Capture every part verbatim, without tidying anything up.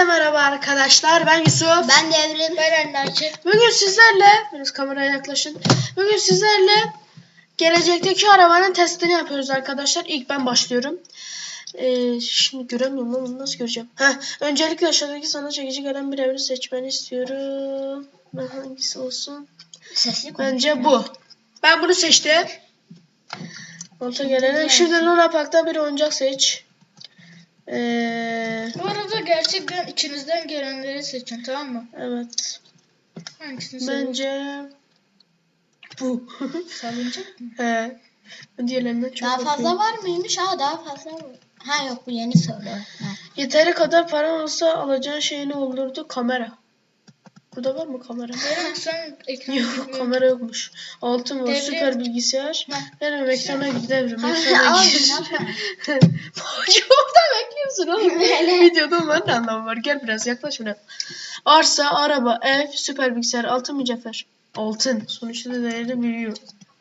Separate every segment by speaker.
Speaker 1: Herkese merhaba arkadaşlar. Ben Yusuf.
Speaker 2: Ben Devrim.
Speaker 3: Ben Enderci.
Speaker 1: Bugün sizlerle, biraz kameraya yaklaşın. Bugün sizlerle gelecekteki arabanın testini yapıyoruz arkadaşlar. İlk ben başlıyorum. Ee, şimdi göremiyorum ama nasıl göreceğim? Heh, öncelikle aşağıdaki sana çekici gelen bir evri seçmeni istiyorum. Ben hangisi olsun?
Speaker 2: Sesli
Speaker 1: Bence bu. Ben bunu seçtim. Monta gelene. Şimdi Luna Park'ta bir oyuncak seç. Ee,
Speaker 3: Bu arada gerçekten içinizden gelenleri seçin, tamam mı?
Speaker 1: evet.
Speaker 3: Hangisini seçin?
Speaker 1: Bence bu.
Speaker 3: Salınacak mı?
Speaker 1: He. Diğerlerinden çok
Speaker 2: Daha
Speaker 1: mutluyum.
Speaker 2: fazla var mıymış? Ha daha fazla var. Ha yok bu yeni soru. Ha.
Speaker 1: Yeteri kadar paran olsa alacağın şey ne olurdu? Kamera. Burada var mı kamera?
Speaker 3: Devrim sen ekranı
Speaker 1: Yok,
Speaker 3: bilmiyorum.
Speaker 1: kamera yokmuş. Altın var,
Speaker 3: Devrim.
Speaker 1: süper bilgisayar.
Speaker 3: Ha.
Speaker 1: Devrim ekrana gir, devrim
Speaker 2: Ha,
Speaker 1: ekrana
Speaker 2: al,
Speaker 1: gir.
Speaker 2: yapma.
Speaker 1: Orada bekliyorsun oğlum.
Speaker 2: Böyle.
Speaker 1: Videoda onların da anlamı var. Gel biraz yaklaş buraya. Arsa, araba, ev, süper bilgisayar, altın mücevher. Altın. Sonuçta da değerini biliyor.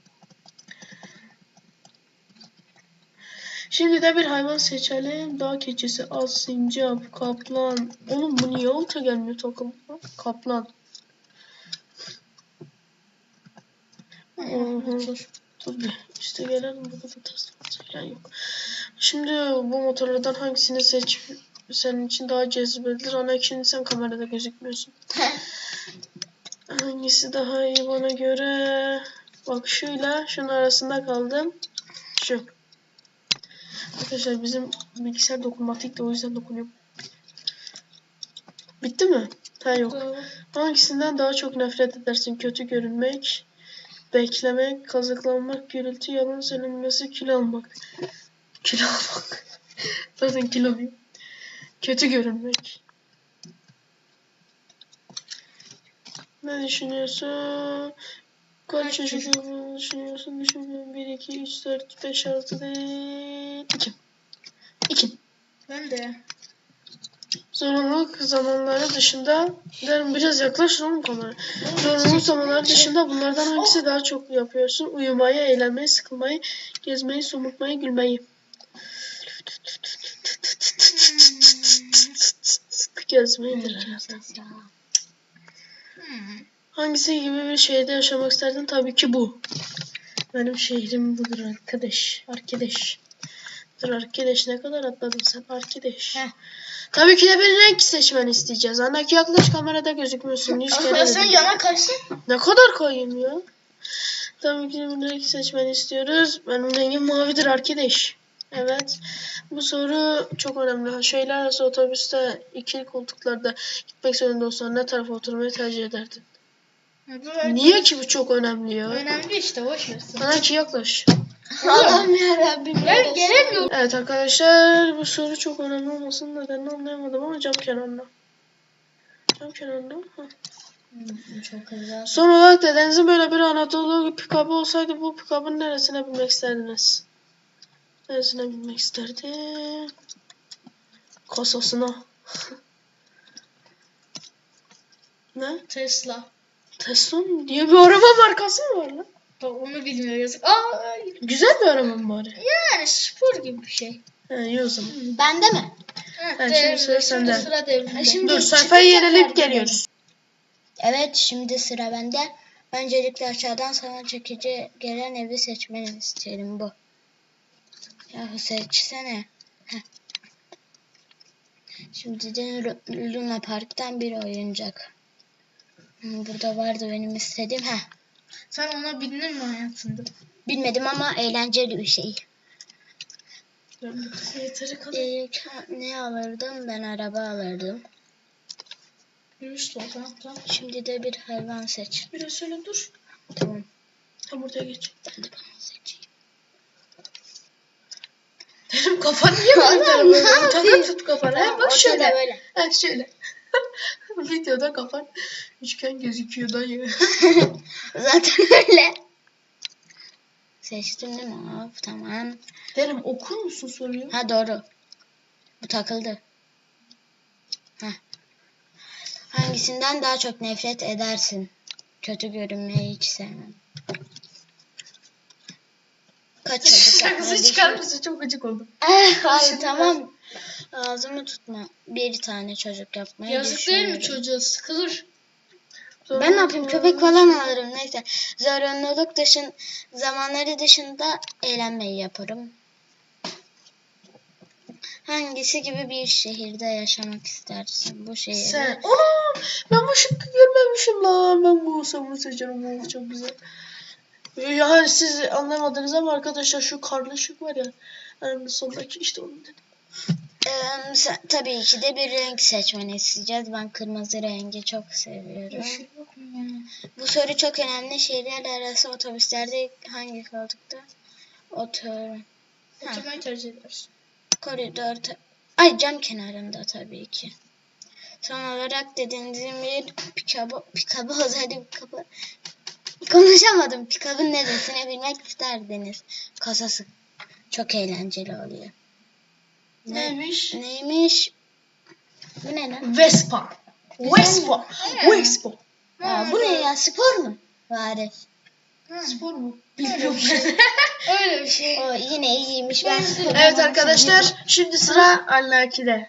Speaker 1: Şimdi de bir hayvan seçelim. Dağ keçisi, at, sincap, kaplan. Oğlum bu niye alta gelmiyor takım? Kaplan. Oho. Dur bir. İşte gelelim. Burada da test falan yok. Şimdi bu motorlardan hangisini seç? Senin için daha cezbedilir. Ana şimdi sen kamerada gözükmüyorsun. Hangisi daha iyi bana göre? Bak şuyla şunun arasında kaldım. Şu. Arkadaşlar bizim bilgisayar dokunmatik de o yüzden dokunuyorum. Bitti mi? Ha yok. Hangisinden daha çok nefret edersin? Kötü görünmek, beklemek, kazıklanmak, gürültü, yalan söylenmesi, kilo almak. Kilo almak. Zaten kiloluyum. Kötü görünmek. Ne düşünüyorsun? Kaç çocuk olduğunu düşünüyorsun? Düşünüyorum. bir, iki, üç, dört, beş, altı değil. iki. iki.
Speaker 3: Ben de.
Speaker 1: Zorunluluk zamanları dışında derim biraz yaklaşın oğlum kamera. Zorunluluk zamanları dışında bunlardan hangisi daha çok yapıyorsun? Uyumayı, eğlenmeyi, sıkılmayı, gezmeyi, somurtmayı, gülmeyi. Gezmeyidir herhalde. Hangisi gibi bir şehirde yaşamak isterdin? Tabii ki bu. Benim şehrim budur arkadaş. Arkadaş. Dur arkadaş ne kadar atladın sen arkadaş.
Speaker 2: Heh.
Speaker 1: Tabii ki de bir renk seçmeni isteyeceğiz. Anaki yaklaş kamerada gözükmüyorsun. Yüz kere
Speaker 3: Ya sen
Speaker 1: dedim.
Speaker 3: yana kaçsın.
Speaker 1: Ne kadar koyayım ya? Tabii ki de bir renk seçmeni istiyoruz. Benim rengim mavidir arkadaş. Evet. Bu soru çok önemli. Şehirler arası otobüste ikili koltuklarda gitmek zorunda olsan ne tarafa oturmayı tercih ederdin? Niye ki bu çok önemli ya?
Speaker 3: Önemli işte, boş versin.
Speaker 1: Anaki yaklaş.
Speaker 2: Allah'ım yarabbim.
Speaker 3: Ben gelemiyorum.
Speaker 1: Evet arkadaşlar bu soru çok önemli olmasının nedenini anlayamadım ama cam kenarında. Cam kenarında. Heh.
Speaker 2: Çok güzel.
Speaker 1: Son olarak dedenizin böyle bir Anadolu pikabı olsaydı bu pikabın neresine binmek isterdiniz? Neresine binmek isterdi? Kasasına. Ne?
Speaker 3: Tesla.
Speaker 1: Tesla mı? Diye bir araba markası mı var lan?
Speaker 3: Bak onu bilmiyor yazık. Aa,
Speaker 1: Güzel bir araba mı bari?
Speaker 3: yani spor gibi bir şey.
Speaker 1: He iyi o zaman.
Speaker 2: Bende mi?
Speaker 3: Evet,
Speaker 1: Ha,
Speaker 3: devrim.
Speaker 1: şimdi sıra sende.
Speaker 3: Sıra devrimde.
Speaker 2: Şimdi
Speaker 1: Dur sayfayı
Speaker 2: çıkınca
Speaker 1: yenileyip
Speaker 2: kaydederim.
Speaker 1: geliyoruz.
Speaker 2: Evet şimdi sıra bende. Öncelikle aşağıdan sana çekici gelen evi seçmeni isterim bu. Yahu seçsene. Heh. Şimdi de Lu- Luna Park'tan bir oyuncak. Hmm, Burada vardı benim istediğim. Heh.
Speaker 3: Sen ona bindin mi hayatında?
Speaker 2: Bilmedim ama eğlenceli bir şey.
Speaker 1: Yeteri kadar.
Speaker 2: İlk ne alırdım? Ben araba alırdım.
Speaker 3: Yürüyüş var, tamam tamam.
Speaker 2: Şimdi de bir hayvan seç.
Speaker 1: Biraz şöyle dur.
Speaker 2: Tamam.
Speaker 1: Tam ortaya geç.
Speaker 2: Ben de bunu seçeyim.
Speaker 1: Dedim kafanı niye böyle
Speaker 2: Allah'ım,
Speaker 1: telefonu?
Speaker 2: ne
Speaker 1: Takı
Speaker 2: yapayım?
Speaker 1: tut kafana.
Speaker 2: Tamam,
Speaker 1: Ha, bak
Speaker 2: ortada
Speaker 1: şöyle.
Speaker 2: böyle.
Speaker 1: Ha şöyle. Videoda kafan üçgen gözüküyor dayı.
Speaker 2: Zaten öyle. Seçtim değil mi? Hop, tamam.
Speaker 1: Derim okur musun soruyu?
Speaker 2: Ha doğru. Bu takıldı. Heh. Hangisinden daha çok nefret edersin? Kötü görünmeyi hiç sevmem. Kaç çocuk
Speaker 1: Sakızı
Speaker 2: yapmayı
Speaker 1: çıkar mısın? Çok gıcık oldum.
Speaker 2: Eh, hayır, tamam. Ağzımı tutma. Bir tane çocuk yapmayı
Speaker 3: Yazık değil mi
Speaker 2: düşünüyorum.
Speaker 3: çocuğa? Sıkılır.
Speaker 2: Ben ne yapayım? Köpek falan alırım. Neyse. Zorunluluk dışın zamanları dışında eğlenmeyi yaparım. Hangisi gibi bir şehirde yaşamak istersin? Bu şehirde.
Speaker 1: Sen. Ana! Ben bu şıkkı görmemişim lan. Ben bu sabunu seçerim. Bu çok güzel. Ya siz anlamadınız ama arkadaşlar şu karlı şık var ya. Yani sondaki işte onu dedim.
Speaker 2: Ee, sen- tabii ki de bir renk seçmeni isteyeceğiz. Ben kırmızı rengi çok seviyorum.
Speaker 3: Şey yok mu yani?
Speaker 2: Bu soru çok önemli. Şehirler arası otobüslerde hangi koltukta? Otur. Ha.
Speaker 3: Oturmayı tercih edersin.
Speaker 2: Koridor. ta- Ay cam kenarında tabii ki. Son olarak dediğiniz bir pikabı, pikabı olsaydı pikabı. Konuşamadım. Pikabın neresini bilmek isterdiniz. Kasası çok eğlenceli oluyor. Ne-
Speaker 1: Neymiş?
Speaker 2: Neymiş? Bu ne lan?
Speaker 1: Vespa. Vespa. Vespa.
Speaker 2: Aa, bu ne ya? Spor mu? Bari.
Speaker 1: Spor mu?
Speaker 3: Bilmiyorum. Öyle bir şey.
Speaker 2: O yine iyiymiş. Ben spor
Speaker 1: Evet arkadaşlar şimdi sıra Allaki'de.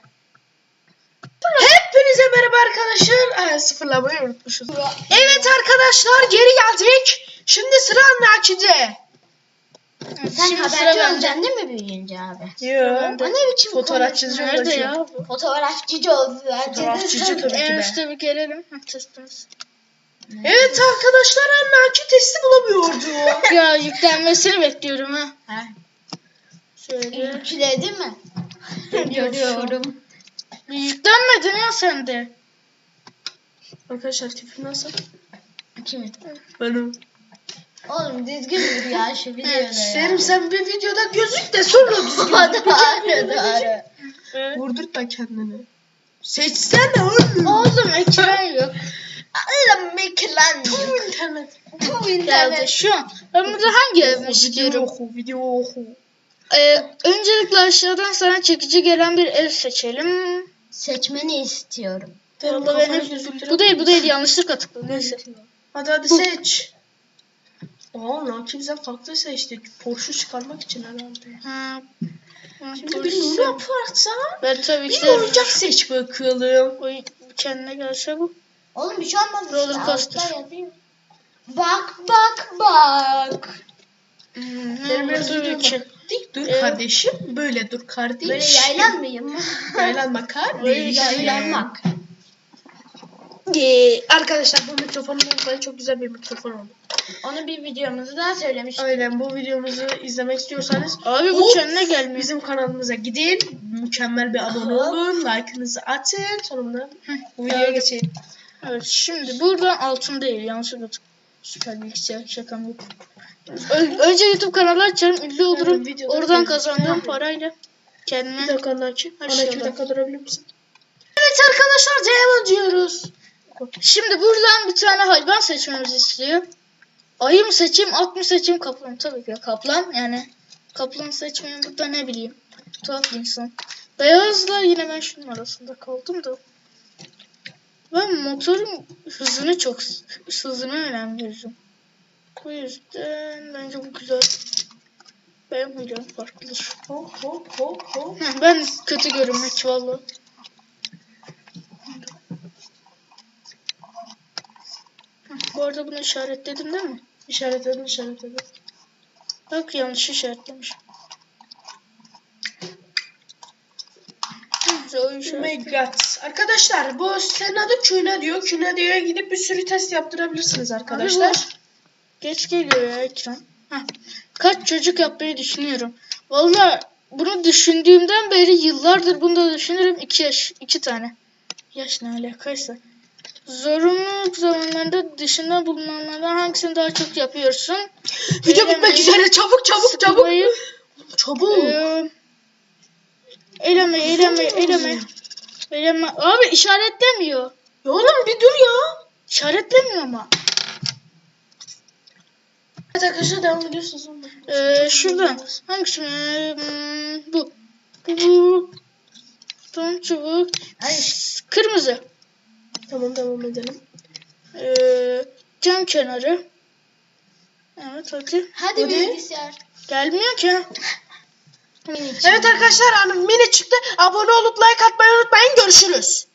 Speaker 1: Hepinize merhaba arkadaşlar. Aa, sıfırlamayı unutmuşuz. Evet arkadaşlar geri geldik. Şimdi sıra Allaki'de.
Speaker 2: Sen
Speaker 3: Şimdi sıra
Speaker 2: haberci
Speaker 3: bende.
Speaker 2: olacaksın değil mi büyüyünce abi?
Speaker 1: Yok.
Speaker 2: O ne biçim
Speaker 1: Fotoğrafçıcı
Speaker 2: konuşma?
Speaker 3: Nerede
Speaker 1: olacağım.
Speaker 3: ya? bu?
Speaker 2: Fotoğrafçıcı oldu.
Speaker 1: Fotoğrafçıcı tabii ki
Speaker 3: En
Speaker 1: be.
Speaker 3: üstte bir gelelim. Heh, testimiz.
Speaker 1: Evet arkadaşlar Allaki testi bulamıyordu.
Speaker 3: Ya yüklenmesini bekliyorum ha.
Speaker 2: Ha.
Speaker 3: Şöyle.
Speaker 2: Yükledi mi? Görüyorum.
Speaker 3: Bir yüklenmedin ya sen de.
Speaker 1: Arkadaşlar tipim nasıl?
Speaker 2: Kimin?
Speaker 1: Benim.
Speaker 2: Oğlum düzgün dur ya şu videoda ya.
Speaker 1: Serim sen bir videoda gözük de sonra düzgün.
Speaker 2: Doğru doğru.
Speaker 1: Vurdurtma kendini. Seçsene oğlum.
Speaker 3: Oğlum ekran yok.
Speaker 2: Allah'ım ekran
Speaker 1: Tüm
Speaker 2: yok.
Speaker 1: internet.
Speaker 2: Bu
Speaker 3: Geldi
Speaker 2: internet.
Speaker 3: şu an. Ben burada hangi evimi
Speaker 1: Video
Speaker 3: istiyorum?
Speaker 1: oku, video oku.
Speaker 3: Ee, öncelikle aşağıdan sana çekici gelen bir ev seçelim.
Speaker 2: Seçmeni istiyorum.
Speaker 1: Benim
Speaker 3: Vallahi
Speaker 1: kafanı
Speaker 3: benim-
Speaker 1: gözüktüren-
Speaker 3: bu değil bu değil yanlışlıkla tıkladım. Neyse.
Speaker 1: Hadi hadi seç. Aa Naki bize farklı seçti. Porsche çıkarmak için herhalde.
Speaker 3: Ha.
Speaker 1: Şimdi bir Luna Park'sa
Speaker 3: Ben tabii ki
Speaker 1: bir
Speaker 3: de
Speaker 1: oyuncak seç bakalım.
Speaker 3: o kendine gelse bu.
Speaker 2: Oğlum bir şey olmaz.
Speaker 3: Roller
Speaker 2: işte,
Speaker 3: coaster.
Speaker 2: altta yazıyor. Bak bak bak.
Speaker 3: Hmm,
Speaker 1: Benim
Speaker 3: ne
Speaker 1: biraz
Speaker 3: tabii
Speaker 1: video
Speaker 3: ki.
Speaker 1: bak. Dik dur
Speaker 3: Evet.
Speaker 1: kardeşim. Böyle dur kardeşim.
Speaker 2: Böyle yaylanmayayım mı?
Speaker 1: Yaylanma kardeşim.
Speaker 2: Yaylanmak.
Speaker 1: Ee, arkadaşlar bu mikrofonun böyle çok güzel bir mikrofon oldu.
Speaker 2: Onu bir videomuzda söylemiştik.
Speaker 1: Aynen bu videomuzu izlemek istiyorsanız
Speaker 3: Abi bu
Speaker 1: Of!
Speaker 3: kendine gelmiyor.
Speaker 1: bizim kanalımıza gidin. Mükemmel bir abone olun. Like'ınızı atın. Sonunda bu videoya
Speaker 3: Evet.
Speaker 1: geçelim.
Speaker 3: Evet şimdi buradan altın değil yanlışlıkla tık. Süper bilgisayar şakam yok. Ö- önce YouTube kanalı açarım ünlü olurum.
Speaker 1: Evet, videoda
Speaker 3: Oradan
Speaker 1: gözüküyor.
Speaker 3: kazandığım parayla kendime
Speaker 1: Bir dakika Naki.
Speaker 3: Her
Speaker 1: Ana
Speaker 3: şey
Speaker 1: iki
Speaker 3: olur.
Speaker 1: dakika durabilir misin? Evet arkadaşlar devam ediyoruz.
Speaker 3: Şimdi buradan bir tane hayvan seçmemizi istiyor. Ayı mı seçeyim, at mı seçeyim, kaplan mı? Tabii ki de kaplan. Yani kaplan seçmeyeyim burada ne bileyim. Tuhaf bir insan. Beyazla yine ben şunun arasında kaldım da. Ben motorun hızını çok hızına önem veririm. Bu yüzden bence bu güzel. Benim huylarım farklıdır.
Speaker 1: Hop hop hop hop.
Speaker 3: Heh, ben kötü görünmek vallahi. Heh, bu arada bunu işaretledim değil mi?
Speaker 1: İşaretledim işaretledim.
Speaker 3: Bak yanlış işaretlemişim. Neyse, o
Speaker 1: Oh my
Speaker 3: işaret.
Speaker 1: god. Arkadaşlar bu senin adı Küne diyor. Küne diyor gidip bir sürü test yaptırabilirsiniz arkadaşlar.
Speaker 3: Geç geliyor ya ekran. Heh. Kaç çocuk yapmayı düşünüyorum. Vallahi bunu düşündüğümden beri yıllardır bunu da düşünürüm. İki yaş, iki tane. Yaş ne alakaysa. Zorunluluk zamanlarında dışında bulunanlardan hangisini daha çok yapıyorsun?
Speaker 1: Video bitmek üzere çabuk çabuk çabuk.
Speaker 3: Sıkılmayı,
Speaker 1: Çabuk.
Speaker 3: Ee, eyleme, eyleme, eyleme. Eyleme. Abi işaretlemiyor.
Speaker 1: Ya oğlum bir dur ya.
Speaker 3: İşaretlemiyor ama.
Speaker 1: Evet arkadaşlar devam ediyorsunuz.
Speaker 3: Ee, şuradan. Hangisi? Hmm, bu. Bu. Bu. Tam çubuk.
Speaker 2: Hayır.
Speaker 3: Kırmızı.
Speaker 1: Tamam devam edelim.
Speaker 3: Ee, cam kenarı. Evet hadi.
Speaker 2: Hadi
Speaker 1: Hadi.
Speaker 2: bilgisayar.
Speaker 3: Gelmiyor ki.
Speaker 2: Mini
Speaker 1: Evet arkadaşlar, hani mini çıktı. Abone olup like atmayı unutmayın. Görüşürüz.